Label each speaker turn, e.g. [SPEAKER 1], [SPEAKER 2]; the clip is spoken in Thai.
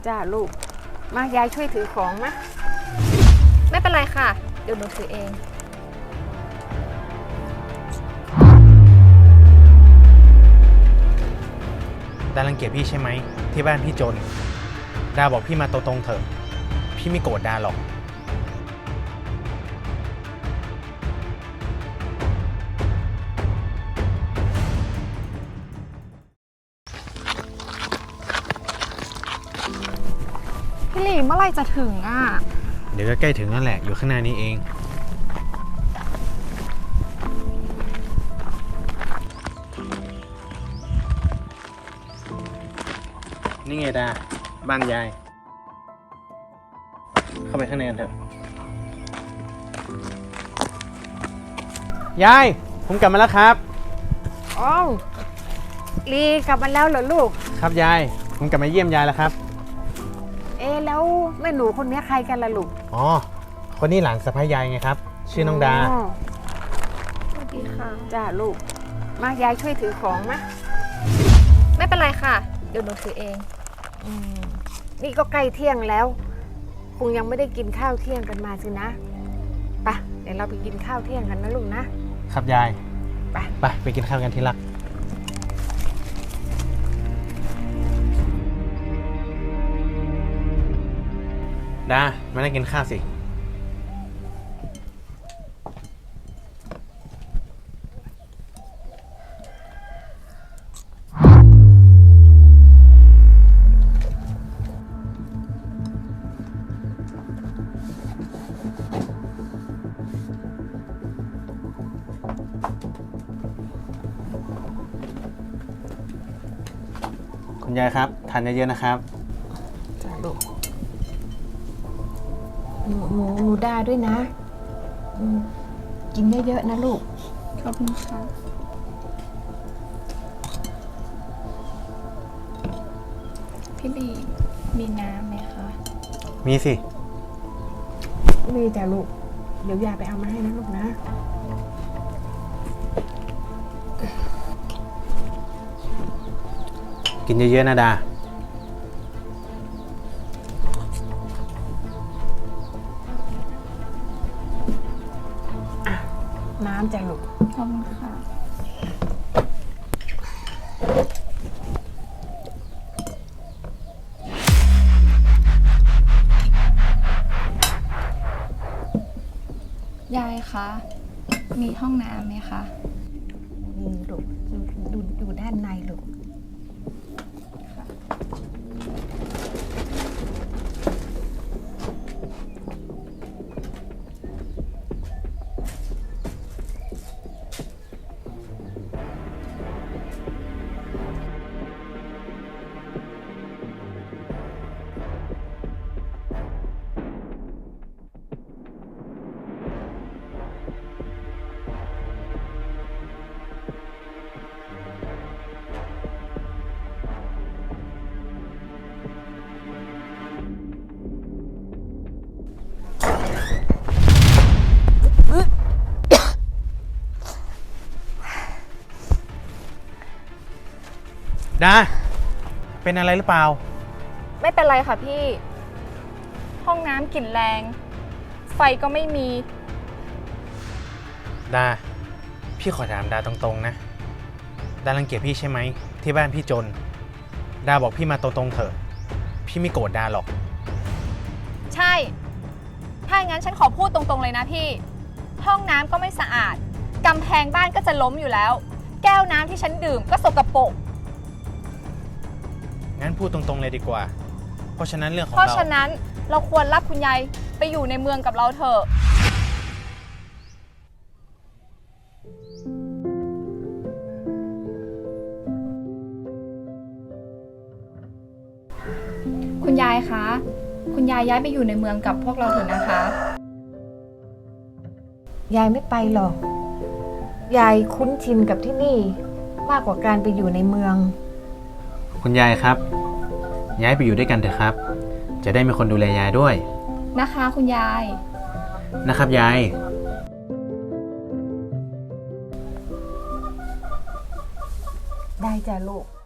[SPEAKER 1] จ้าลูกมายายช่วยถือของมะ
[SPEAKER 2] ไม่เป็นไรค่ะเดี๋ยวหนูถือเอง
[SPEAKER 3] ดารังเกียจพี่ใช่ไหมที่บ้านพี่จนดาบอกพี่มาตรงๆเถอะพี่ไม่โกรธดาหรอก
[SPEAKER 2] พี่หลีเมื่อไหร่จะถึงอ่ะ
[SPEAKER 3] เดี๋ยวก็ใกล้ถึงนั่นแหละอยู่ข้างหน้านี้เองนี่ไงดาบ้านยายเข้าไปข้างในกันเถอะยายผมกลับมาแล้วครับ
[SPEAKER 1] อ้าวลีกลับมาแล้วเหรอลูก
[SPEAKER 3] ครับยายผมกลับมาเยี่ยมยายแล้วครับ
[SPEAKER 1] แล้วแม่หนูคนนี้ใครกันล่ะลูก
[SPEAKER 3] อ๋อคนนี้หลานสะใภ้ยายไงครับชื่อน้องดา
[SPEAKER 2] สวัสดีค่ะ
[SPEAKER 1] จ้าลูกมายายช่วยถือของมะ
[SPEAKER 2] ไม่เป็นไรค่ะเดี๋ยวหนูถือเอง
[SPEAKER 1] นี่ก็ใกล้เที่ยงแล้วคงยังไม่ได้กินข้าวเที่ยงกันมาสินะไปเดี๋ยวเราไปกินข้าวเที่ยงกันนะลูกนะครับ
[SPEAKER 3] ยาย
[SPEAKER 1] ไป
[SPEAKER 3] กินข้าวกันที่รักดามานั่งกินข้าวสิคุณยายครับทานเยอะๆนะครับ
[SPEAKER 1] จ้าลูกหนูได้ด้วยนะกินเยอะๆนะลูก
[SPEAKER 2] ขอบคุณค่ะพี่หลีมีน้ำไหมคะ
[SPEAKER 3] มีสิ
[SPEAKER 1] มีจ้าลูกเดี๋ยวยายไปเอามาให้นะลูกนะ
[SPEAKER 3] กินเยอะๆนะดา
[SPEAKER 1] น้ำจ้ะลูก
[SPEAKER 2] ขอบคุณค่ะยายคะมีห้องน้ำไหมคะ
[SPEAKER 1] มีลูกดูด้านในลูก
[SPEAKER 3] ดาเป็นอะไรหรือเปล่า
[SPEAKER 2] ไม่เป็นไรค่ะพี่ห้องน้ำกลิ่นแรงไฟก็ไม่มี
[SPEAKER 3] ดาพี่ขอถามดาตรงๆนะดารังเกียจพี่ใช่ไหมที่บ้านพี่จนดาบอกพี่มาตรงๆเถอะพี่ไม่โกรธดาหรอก
[SPEAKER 2] ใช่ถ้าอย่างนั้นฉันขอพูดตรงๆเลยนะพี่ห้องน้ำก็ไม่สะอาดกำแพงบ้านก็จะล้มอยู่แล้วแก้วน้ำที่ฉันดื่มก็สกปรก
[SPEAKER 3] งั้นพูดตรงๆเลยดีกว่าเพราะฉะนั้นเรื่องของ
[SPEAKER 2] เพราะฉะนั้นเราควรรับคุณยายไปอยู่ในเมืองกับเราเถอะคุณยายคะคุณยายย้ายไปอยู่ในเมืองกับพวกเราเถอะนะคะ
[SPEAKER 1] ยายไม่ไปหรอกยายคุ้นชินกับที่นี่มากกว่าการไปอยู่ในเมือง
[SPEAKER 3] คุณยายครับย้ายไปอยู่ด้วยกันเถอะครับจะได้มีคนดูแลยายด้วย
[SPEAKER 2] นะคะคุณยาย
[SPEAKER 3] นะครับยาย
[SPEAKER 1] ได้จ้ะลูก